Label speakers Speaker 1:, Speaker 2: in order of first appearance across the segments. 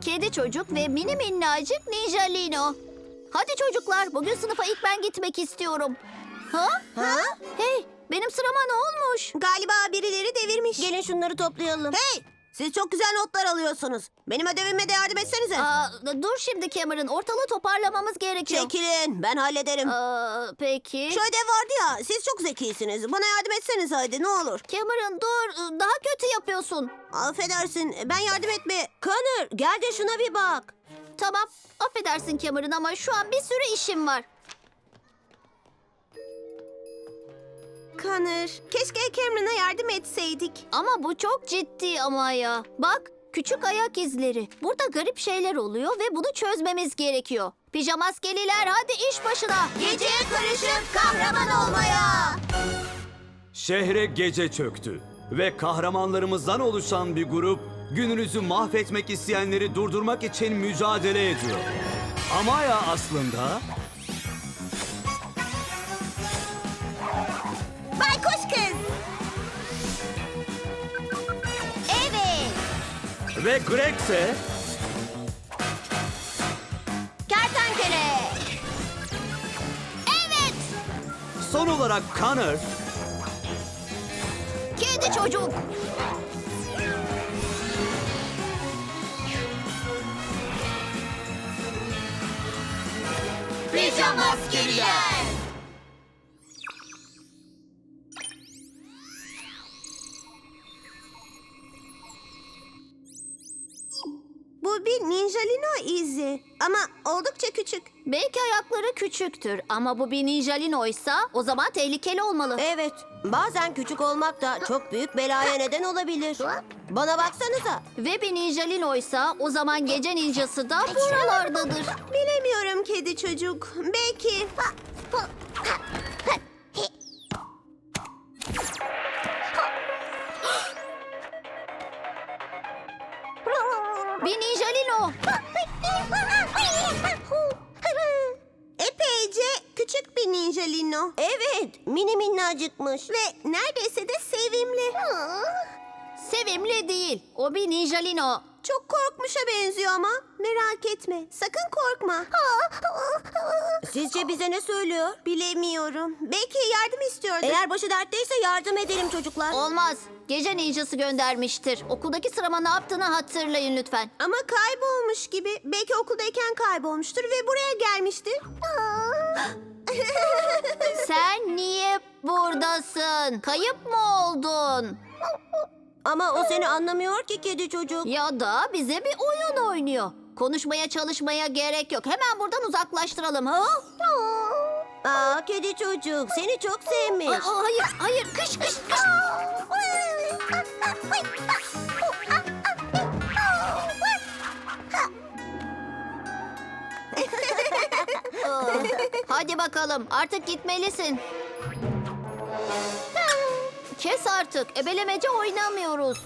Speaker 1: Kedi çocuk ve mini minnacık Ninjalino. Hadi çocuklar, bugün sınıfa ilk ben gitmek istiyorum. Ha?
Speaker 2: Ha?
Speaker 1: Hey, benim sırama ne olmuş?
Speaker 2: Galiba birileri devirmiş.
Speaker 3: Gelin şunları toplayalım.
Speaker 2: Hey! Siz çok güzel notlar alıyorsunuz. Benim ödevime de yardım etsenize.
Speaker 1: Dur şimdi Cameron, ortalığı toparlamamız gerekiyor.
Speaker 2: Çekilin, ben hallederim.
Speaker 1: Peki.
Speaker 2: Şu ödev vardı ya, siz çok zekisiniz. Bana yardım etseniz hadi, ne olur.
Speaker 1: Cameron dur, daha kötü yapıyorsun.
Speaker 2: Affedersin, ben yardım etme...
Speaker 3: Connor gel de şuna bir bak.
Speaker 1: Tamam, affedersin Cameron ama şu an bir sürü işim var.
Speaker 2: Connor, keşke Cameron'a yardım etseydik.
Speaker 1: Ama bu çok ciddi ama ya. Bak, küçük ayak izleri. Burada garip şeyler oluyor ve bunu çözmemiz gerekiyor. Pijamaskeliler hadi iş başına.
Speaker 2: Geceye karışıp kahraman olmaya.
Speaker 4: Şehre gece çöktü ve kahramanlarımızdan oluşan bir grup gününüzü mahvetmek isteyenleri durdurmak için mücadele ediyor. Amaya aslında
Speaker 2: Baykuş kız. Evet.
Speaker 4: ve Greg ise
Speaker 2: Kertenkele.
Speaker 1: Evet,
Speaker 4: son olarak Connor
Speaker 1: kedi çocuk.
Speaker 2: Pijamaskeliler. Bu bir Ninjalino izi ama oldukça küçük.
Speaker 1: Belki ayakları küçüktür ama bu bir Ninjalino'ysa o zaman tehlikeli olmalı.
Speaker 3: Evet, bazen küçük olmak da çok büyük belaya neden olabilir. Bana baksanıza.
Speaker 1: Ve bir Ninjalino'ysa o zaman gece ninjası da buralardadır.
Speaker 2: Bilemiyorum kedi çocuk. Belki.
Speaker 1: Bir Ninjalino.
Speaker 2: Epeyce küçük bir Ninjalino.
Speaker 3: Evet, mini minnacıkmış.
Speaker 2: Ve neredeyse de sevimli.
Speaker 1: Sevimli değil. O bir Ninjalino.
Speaker 2: Çok korkmuşa benziyor ama. Merak etme. Sakın korkma.
Speaker 3: Sizce bize ne söylüyor?
Speaker 2: Bilemiyorum. Belki yardım istiyordur.
Speaker 3: Eğer başı dertteyse yardım edelim çocuklar.
Speaker 1: Olmaz. Gece ninjası göndermiştir. Okuldaki sırama ne yaptığını hatırlayın lütfen.
Speaker 2: Ama kaybolmuş gibi. Belki okuldayken kaybolmuştur ve buraya gelmiştir.
Speaker 1: Sen niye buradasın? Kayıp mı oldun?
Speaker 3: Ama o seni anlamıyor ki kedi çocuk.
Speaker 1: Ya da bize bir oyun oynuyor. Konuşmaya çalışmaya gerek yok. Hemen buradan uzaklaştıralım. Ha?
Speaker 3: Aa, kedi çocuk seni çok sevmiş.
Speaker 1: Hayır, hayır. Kış, kış, kış. Hadi bakalım. Artık gitmelisin. Kes artık. Ebelemece oynamıyoruz.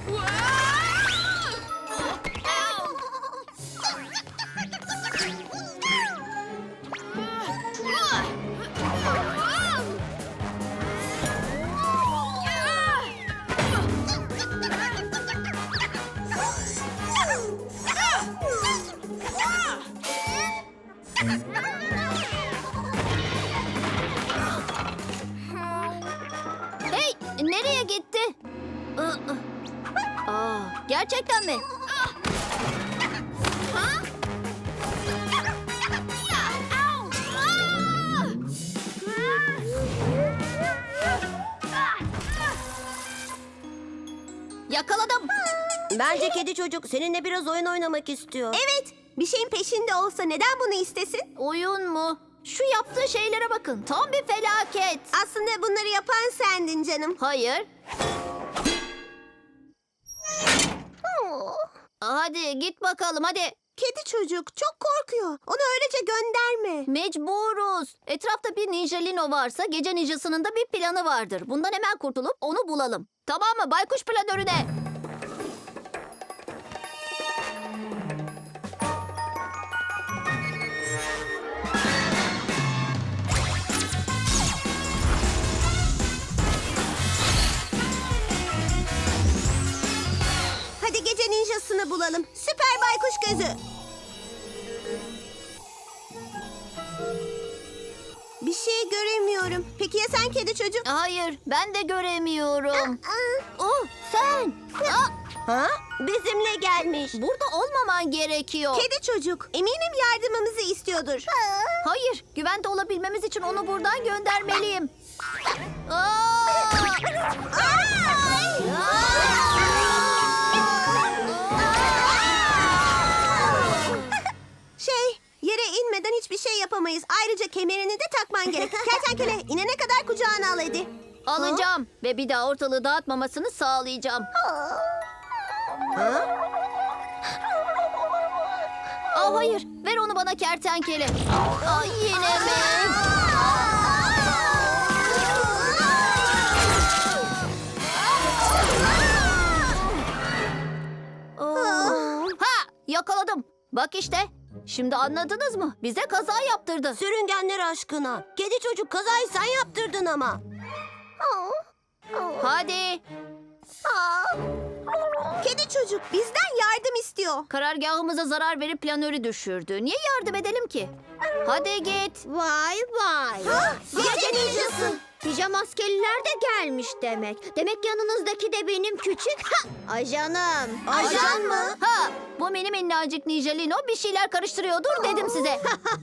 Speaker 1: Hey, nereye gitti? Gerçekten mi? Yakaladım.
Speaker 3: Bence kedi çocuk seninle biraz oyun oynamak istiyor.
Speaker 2: Evet. Bir şeyin peşinde olsa neden bunu istesin?
Speaker 1: Oyun mu? Şu yaptığı şeylere bakın. Tam bir felaket.
Speaker 2: Aslında bunları yapan sendin canım.
Speaker 1: Hayır. Hadi git bakalım hadi.
Speaker 2: Kedi çocuk çok korkuyor. Onu öylece gönderme.
Speaker 1: Mecburuz. Etrafta bir Ninjalino varsa gece ninjasının da bir planı vardır. Bundan hemen kurtulup onu bulalım. Tamam mı? Baykuş planörüne.
Speaker 2: Hadi gece ninja ninjasını bulalım. Süper baykuş gözü. Bir şey göremiyorum. Peki ya sen kedi çocuk?
Speaker 1: Hayır, ben de göremiyorum. Oh, sen.
Speaker 3: Ha? Bizimle gelmiş.
Speaker 1: Burada olmaman gerekiyor.
Speaker 2: Kedi çocuk. Eminim yardımımızı istiyordur.
Speaker 1: Hayır, güvende olabilmemiz için onu buradan göndermeliyim. Aa!
Speaker 2: Yere inmeden hiçbir şey yapamayız. Ayrıca kemerini de takman gerek. Kertenkele inene kadar kucağına al hadi.
Speaker 1: Alacağım ve bir daha ortalığı dağıtmamasını sağlayacağım. Aa, hayır, ver onu bana kertenkele. Ay, yine mi? Ha, yakaladım. Bak işte. Şimdi anladınız mı? Bize kaza yaptırdı.
Speaker 3: Sürüngenler aşkına. Kedi çocuk kazayı sen yaptırdın ama.
Speaker 1: Hadi.
Speaker 2: Kedi çocuk bizden yardım istiyor.
Speaker 1: Karargahımıza zarar verip planörü düşürdü. Niye yardım edelim ki? Hadi git.
Speaker 5: Vay vay.
Speaker 2: Gece ninjası.
Speaker 5: Pijama askeriler de gelmiş demek. Demek yanınızdaki de benim küçük ajanım.
Speaker 2: Ajan mı?
Speaker 1: Ha, bu benim minnacık Nijalino bir şeyler karıştırıyordur dedim size.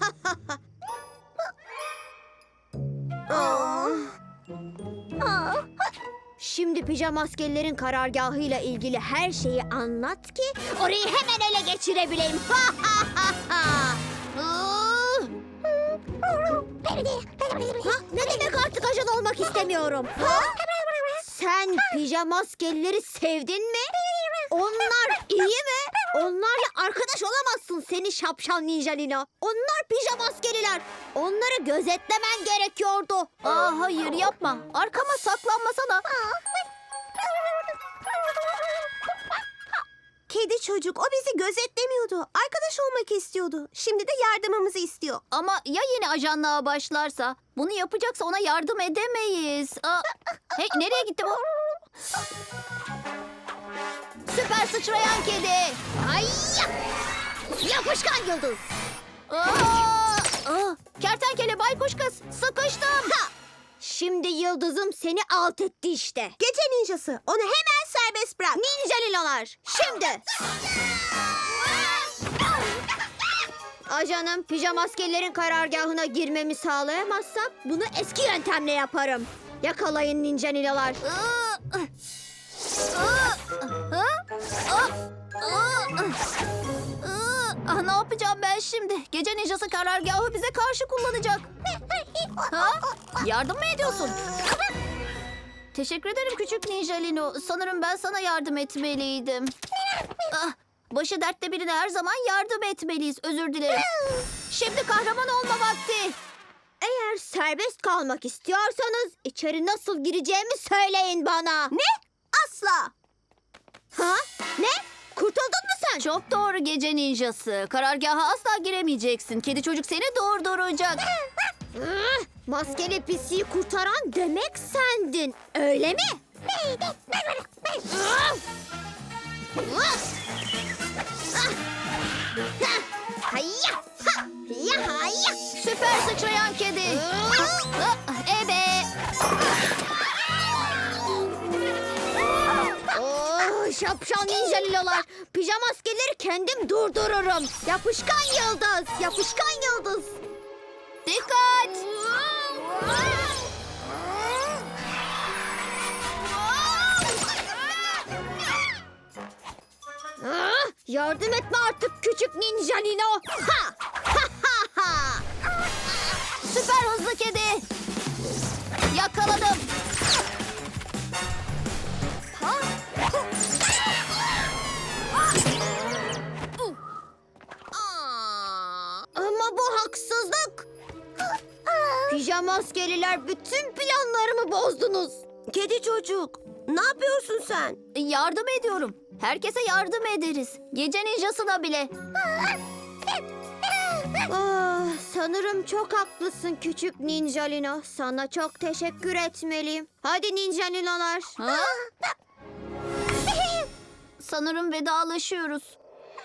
Speaker 5: Şimdi pijama askerlerin karargahıyla ilgili her şeyi anlat ki orayı hemen ele geçirebileyim. Ne demek artık ajan olmak istemiyorum? Sen pijama askerleri sevdin mi? Onlar iyi mi? Onlarla arkadaş olamazsın seni şapşal Nijalino. Onlar pijama askeriler. Onları gözetlemen gerekiyordu.
Speaker 1: Aa, hayır yapma. Arkama saklanmasana.
Speaker 2: Kedi çocuk o bizi gözetlemiyordu. Arkadaş olmak istiyordu. Şimdi de yardımımızı istiyor.
Speaker 1: Ama ya yine ajanlığa başlarsa? Bunu yapacaksa ona yardım edemeyiz. Aa, hey, nereye gitti bu? Süper sıçrayan kedi.
Speaker 5: Hayya! Yapışkan yıldız.
Speaker 1: Kertenkele baykuş kız. Sıkıştım.
Speaker 5: Şimdi yıldızım seni alt etti işte.
Speaker 2: Gece ninjası. Onu hemen serbest bırak.
Speaker 5: Ninjalilolar şimdi. Ajanım pijama askerlerin karargahına girmemi sağlayamazsak bunu eski yöntemle yaparım. Yakalayın ninjalilolar.
Speaker 1: Ne yapacağım ben şimdi? Gece ninjası karargahı bize karşı kullanacak. Ha? Yardım mı ediyorsun? Teşekkür ederim küçük Nijalino. Sanırım ben sana yardım etmeliydim. Başı dertte birine her zaman yardım etmeliyiz. Özür dilerim. Şimdi kahraman olma vakti.
Speaker 5: Eğer serbest kalmak istiyorsanız içeri nasıl gireceğimi söyleyin bana.
Speaker 2: Ne? Asla.
Speaker 5: Ha? Ne? Kurtuldun mu sen?
Speaker 1: Çok doğru gece ninjası. Karargaha asla giremeyeceksin. Kedi çocuk seni durduracak.
Speaker 5: Maskeli pisiyi kurtaran demek sendin. Öyle mi? Hayya! Ya hayya!
Speaker 1: Süper sıçrayan kedi. Ebe.
Speaker 5: Oh, şapşal ninjalilolar. Pijama askerleri kendim durdururum. Yapışkan yıldız. Yapışkan yıldız.
Speaker 1: Dikkat.
Speaker 5: Yardım etme artık küçük ninjalino. Ha! Ha ha ha!
Speaker 1: Süper hızlı kedi. Yakaladım.
Speaker 5: Ama bu haksızlık. Pijama askeriler bütün planlarımı bozdunuz.
Speaker 3: Kedi çocuk. Ne yapıyorsun sen?
Speaker 1: Yardım ediyorum. Herkese yardım ederiz. Gece ninjasına bile.
Speaker 5: Sanırım çok haklısın küçük ninjalino. Sana çok teşekkür etmeliyim. Hadi ninjalinolar.
Speaker 1: Ha? Sanırım vedalaşıyoruz.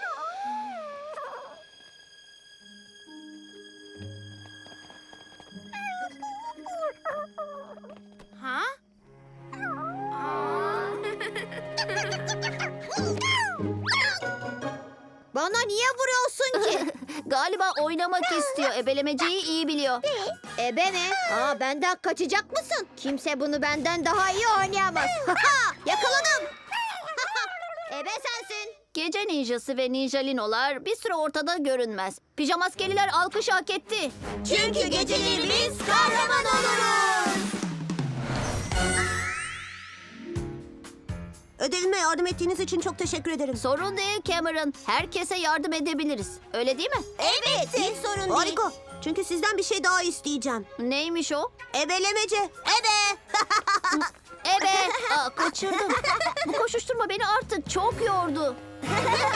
Speaker 5: Bana niye vuruyorsun ki?
Speaker 1: Galiba oynamak istiyor. Ebelemeceyi iyi biliyor.
Speaker 5: Ebe mi? Aa, benden kaçacak mısın? Kimse bunu benden daha iyi oynayamaz. Yakaladım. Ebe sensin.
Speaker 1: Gece ninjası ve ninjalinolar bir süre ortada görünmez. Pijamaskeliler alkış hak etti.
Speaker 2: Çünkü geceleri biz kahraman oluruz. Ödevime yardım ettiğiniz için çok teşekkür ederim.
Speaker 1: Sorun değil Cameron. Herkese yardım edebiliriz. Öyle değil mi?
Speaker 2: Evet, hiç sorun değil. Harika. Çünkü sizden bir şey daha isteyeceğim.
Speaker 1: Neymiş o?
Speaker 2: Ebelemece. Ebe.
Speaker 1: Ebe! Aa, kaçırdım. Bu koşuşturma beni artık çok yordu.